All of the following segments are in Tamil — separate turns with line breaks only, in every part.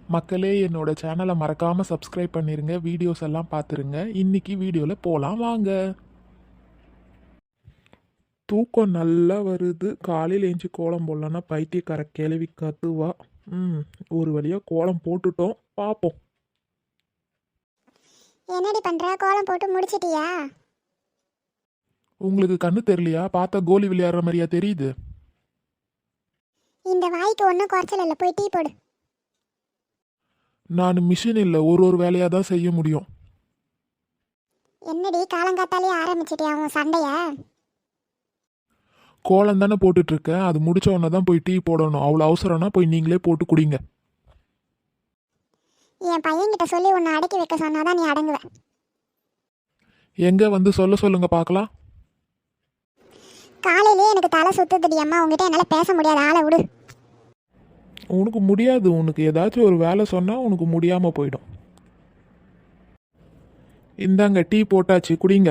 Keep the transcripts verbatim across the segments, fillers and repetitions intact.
மக்களே, என்னோட சேனலை மறக்காம சப்ஸ்கிரைப் பண்ணிருங்க, வீடியோஸ் எல்லாம் பார்த்துருங்க. இன்னைக்கு வீடியோல போலாம் வாங்க. தூக்கம் நல்லா வருது. காலையில் ஏஞ்சி கோலம் போடலன்னா பைத்தியக்கார கிளவி கத்துவா. ம் ஒரு வழியாக கோலம் போட்டுட்டோம், பார்ப்போம்.
என்னடி பண்ற? கோலம் போட்டு முடிச்சிட்டியா?
உங்களுக்கு கண்ணு தெரியலையா? பார்த்தா கோலி விளையாடுற மாதிரியா தெரியுது?
இந்த வாய்க்கு ஒன்றும் குறைச்சல் இல்லை, போய் டீ போடு.
நான் மிஷின் இல்லை, ஒரு ஒரு வேலையாக தான் செய்ய முடியும்.
என்னடி காலங்காத்தாலே ஆரம்பிச்சிட்டியா உன் சண்டைய?
கோலம் தானே போட்டுட்டு இருக்கேன், அது முடிச்ச உடனே தான் போய் டீ போடணும். அவ்வளோ அவசரம்னா போய் நீங்களே போட்டு குடிங்க.
என் பையன்கிட்ட சொல்லி உன்னை அடக்கி வைக்க சொன்னாதான் நீ அடங்குவ.
எங்க வந்து சொல்ல சொல்லுங்க பார்க்கலாம்.
காலையிலே எனக்கு தலை சுத்துதுடி அம்மா, உங்ககிட்ட என்னால் பேச முடியாது, ஆளை விடு.
உனக்கு முடியாது. உனக்கு ஏதாச்சும் ஒரு வேலை சொன்னால் உனக்கு முடியாமல் போயிடும். இந்தாங்க டீ போட்டாச்சு, குடிங்க.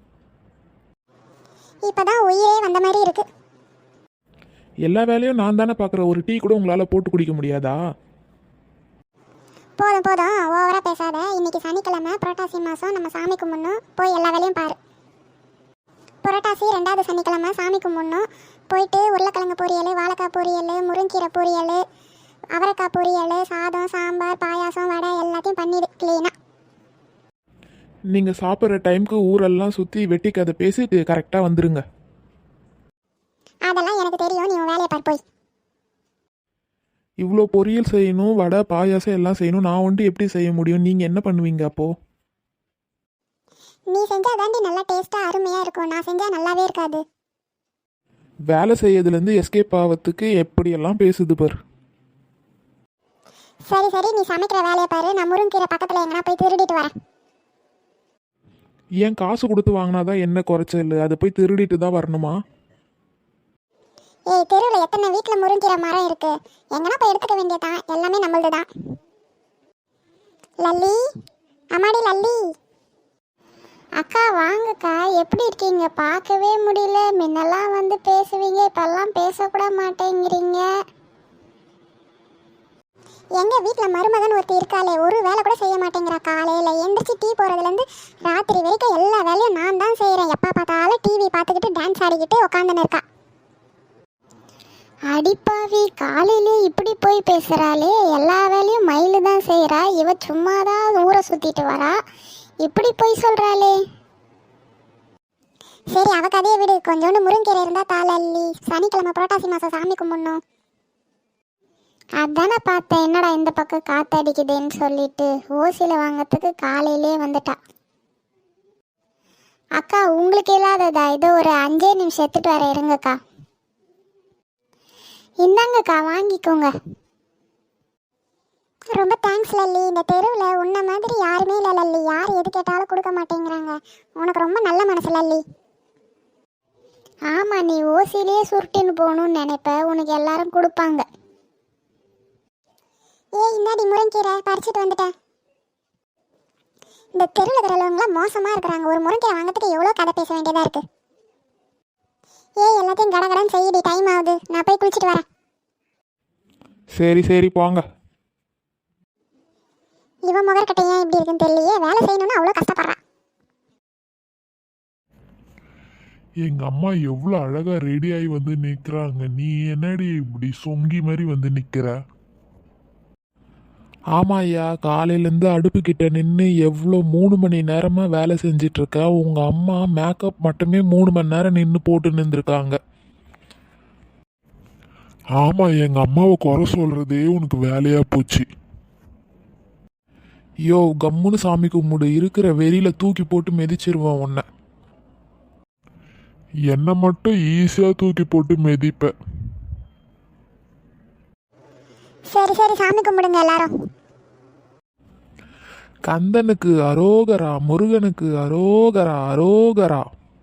இப்பதான் உயிரே வந்த மாதிரி இருக்கு.
எல்லா வேலையும் நான் தானே பார்க்குறேன், ஒரு டீ கூட உங்களால் போட்டு குடிக்க முடியாதா?
போதும் போதும், ஓவரா பேசாத. இன்னைக்கு சனிக்கிழமை, புரட்டாசி மாதம், நம்ம சாமி கும்பிடணும். போய் எல்லா வேலையும் பாரு. புரட்டாசி ரெண்டாவது சனிக்கிழமை சாமி கும்பிடணும். போயிட்டு உருளைக்கிழங்கு பொரியல், வாழைக்காய் பொரியல், முருங்கீரை பொரியல், அவரைக்காய் பொரியல், சாதம், சாம்பார், பாயாசம், வடை எல்லாத்தையும் பண்ணிடு கிளீனா.
நீங்கள் சாப்பிட்ற டைமுக்கு ஊரெல்லாம் சுற்றி வெட்டி கதை பேசிட்டு கரெக்டாக வந்துருங்க.
அதெல்லாம் எனக்கு தெரியும், நீ உன் வேலையை பார் போய்.
இவ்வளோ பொரியல் செய்யணும், வடை பாயாசம் எல்லாம் செய்யணும். நான் வந்துட்டு எப்படி செய்ய முடியும்? நீங்கள் என்ன பண்ணுவீங்க அப்போது?
நீ செஞ்சா தாண்டி நல்லா டேஸ்ட்டாக அருமையாக இருக்கும், நான் செஞ்சால் நல்லாவே இருக்காது.
வேலை செய்யறதுலேருந்து எஸ்கேப் ஆகிறதுக்கு எப்படியெல்லாம் பேசுது பார்.
சரி சரி, நீ சமைக்கிற வேலையை பாரு. நான் முருங்கீரை பக்கத்தில் எங்கன்னா போய் திருடிட்டு வரேன்.
ஏன் காசு கொடுத்து வாங்கினாதான் என்ன குறைச்சல்? அதை போய் திருடிட்டு தான் வரணுமா?
ஏய், தெருவில் எத்தனை வீட்டில் முருங்கீரை மரம் இருக்கு, எங்கன்னா போய் எடுத்துக்க வேண்டியதான், எல்லாமே நம்மளது தான். லல்லி, அம்மாடி லல்லி. அக்கா வாங்கக்கா, எப்படி இருக்கீங்க? பார்க்கவே முடியல. முன்னெல்லாம் வந்து பேசுவீங்க, இப்பெல்லாம் பேசக்கூட மாட்டேங்கிறீங்க. எங்கள் வீட்டில் மருமகன் ஒருத்தி இருக்காளே, ஒரு வேலை கூட செய்ய மாட்டேங்கிறா. காலையில் எந்திரிச்சு டீ போகிறதுலேருந்து ராத்திரி வரைக்கும் எல்லா வேலையும் நான் தான் செய்கிறேன். எப்போ பார்த்தாலும் டிவி பார்த்துக்கிட்டு டான்ஸ் ஆடிக்கிட்டு உட்காந்துன்னு இருக்கா. அடிப்பாவி, காலையிலே இப்படி போய் பேசுகிறாளே. எல்லா வேலையும் மயிலு தான் செய்கிறா, இவ சும்மா தான் ஊரை சுற்றிட்டு வரா. இப்படி போய் சொல்கிறாளே. சரி, அவ கதையை விடு. கொஞ்சோண்டு முருங்கீரை இருந்தால் தாளல்லி, சனிக்கிழமை புரட்டாசி மாதம் சாமி கும்பிடணும். அதானே பார்த்தேன், என்னடா இந்த பக்கம் காத்தடிக்குதுன்னு சொல்லிட்டு ஓசியில் வாங்கிறதுக்கு காலையிலே வந்துட்டா. அக்கா, உங்களுக்கு இல்லாததா? இதோ ஒரு அஞ்சே நிமிஷம் எடுத்துட்டு வர இருங்கக்கா. இந்தாங்கக்கா, வாங்கிக்கோங்க. ரொம்ப தேங்க்ஸ் லல்லி. இந்த தெருவில் உன்ன மாதிரி யாருமே இல்லை லல்லி. யார் எது கேட்டாலும் கொடுக்க மாட்டேங்கிறாங்க. உனக்கு ரொம்ப நல்ல மனசு லல்லி. ஆமாம், நீ ஓசிலே சுருட்டின்னு போகணும்னு நினைப்ப, உனக்கு எல்லாரும் கொடுப்பாங்க. ஏய், இந்தாடி முருங்கீரை, பறிச்சுட்டு வந்துட்டேன். இந்த தெருவில் இருக்கிறவங்களாம் மோசமாக இருக்கிறாங்க. ஒரு முருங்கீரை வாங்கிறதுக்கு எவ்வளோ கதை பேச வேண்டியதாக இருக்குது. ஏய், எல்லாத்தையும் கடகடன்னு செய்யடி, டைம் ஆகுது. நான் போய் குளிச்சுட்டு வரேன்.
சரி சரி போங்க.
இவன் முகர்கட்டை ஏன் இப்படி இருக்குன்னு தெரியலையே. வேலை செய்யணும்னு அவ்வளோ கஷ்டப்படுறான்.
எங்க அம்மா எவ்வளோ அழகா ரெடி ஆகி வந்து நிற்கிறாங்க. நீ என்னடி இப்படி சொங்கி மாதிரி வந்து நிற்கிற? ஆமா ஐயா, காலையிலேருந்து அடுப்பு கிட்ட நின்று எவ்வளோ மூணு மணி நேரமாக வேலை செஞ்சிட்ருக்க. உங்கள் அம்மா மேக்கப் மட்டுமே மூணு மணி நேரம் நின்று போட்டு நின்றுருக்காங்க. ஆமாம், எங்கள் அம்மாவை குறை சொல்கிறதே உனக்கு வேலையாக போச்சு. யோ, கம்முன்னு சாமி கும்பிடு. இருக்கிற வெறியில் தூக்கி போட்டு மிதிச்சிருவேன் உன்னை. என்னை மட்டும் ஈஸியாக தூக்கி போட்டு மிதிப்பேன்.
சரி சரி, சாமி கும்பிடுங்க எல்லாரும்.
கந்தனுக்கு அரோகரா, முருகனுக்கு அரோகரா, அரோகரா.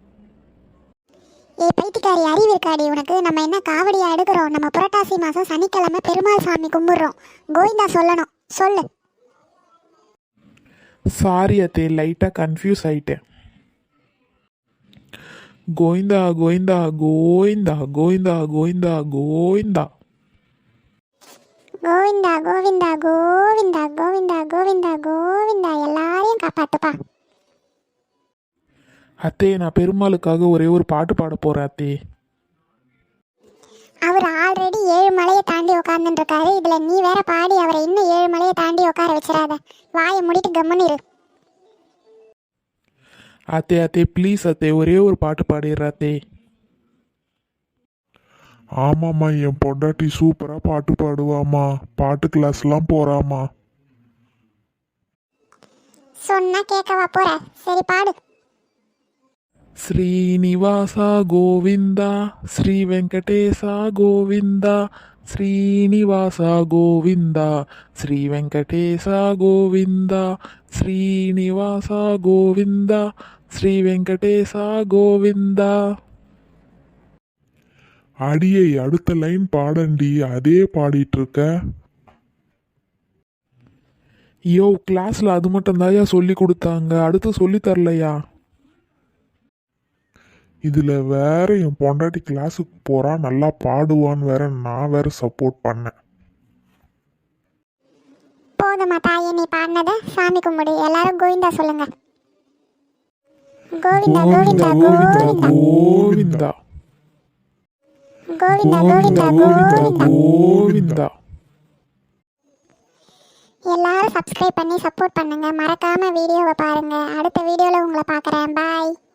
ஏ பைத்தியக்காரி, அறிவு இருக்காடி உனக்கு? நம்ம என்ன காவடியா எடுக்கிறோம்? நம்ம புரட்டாசி மாதம் சனிக்கிழமை பெருமாள் சாமி கும்பிட்றோம். கோவிந்தா சொல்லணும், சொல்லு.
சாரி அத்தே, லைட்டாக கன்ஃபியூஸ் ஆயிட்டேன். கோவிந்தா கோவிந்தா கோவிந்தா கோவிந்தா கோவிந்தா கோவிந்தா
கோவிந்தா கோவிந்தா கோவிந்தா. கோவிந்தா கோவிந்தா கோவிந்தா கோவிந்தா எல்லாரையும் காப்பாத்துப்பா.
அத்தே நான் பெருமாளுக்காக ஒரே ஒரு பாட்டு பாட போறேன் அத்தே.
அவர் ஆல்ரெடி ஏழு மலையை தாண்டி உட்காந்துட்டு இருக்காரு, இதுல நீ வேற பாடி அவரை இன்னும் ஏழு மலையை தாண்டி உட்கார வச்சிடாத. வாயை மூடிட்டு கம்முன்னு இரு.
அத்தே அத்தே ப்ளீஸ் அத்தே ஒரே ஒரு பாட்டு பாடிடுற அத்தே.
ஆமாம்மா, என் பொண்டாட்டி சூப்பரா பாட்டு பாடுவாம்மா. பாட்டு கிளாஸ்லாம் போறாம்மா.
சொன்னா கேட்கவா போற? சரி பாடு.
ஸ்ரீனிவாசா கோவிந்தா ஸ்ரீ வெங்கடேசா கோவிந்தா ஸ்ரீனிவாசா கோவிந்தா ஸ்ரீ வெங்கடேசா கோவிந்தா ஸ்ரீனிவாசா கோவிந்தா ஸ்ரீ வெங்கடேசா கோவிந்தா.
அடியை அடுத்த லைன் பாடண்டி, அதே பாடிட்டு இருக்க.
யோ கிளாஸ்ல அது மட்டும் தாயா சொல்லி கொடுத்தாங்க, அடுத்து சொல்லி தரலையா?
இதுல வேற என் பொண்டாட்டி கிளாஸுக்கு போறா, நல்லா பாடுவான்னு வேற நான் வேற சப்போர்ட் பண்ணேன்.
போதுமா தாயே, நீ பாடினத சாமி கும்பிடு. எல்லாரும் கோவிந்தா சொல்லுங்க. கோவிந்தா கோவிந்தா கோவிந்தா
கோவிந்தா
கோவிந்தா கோவிந்தா கோவிந்தா.
கோவிந்தா.
எல்லாரும் சப்ஸ்கிரைப் பண்ணி சப்போர்ட் பண்ணுங்க. மறக்காம வீடியோவை பாருங்க. அடுத்த வீடியோல உங்களை பார்க்குறேன். பாய்.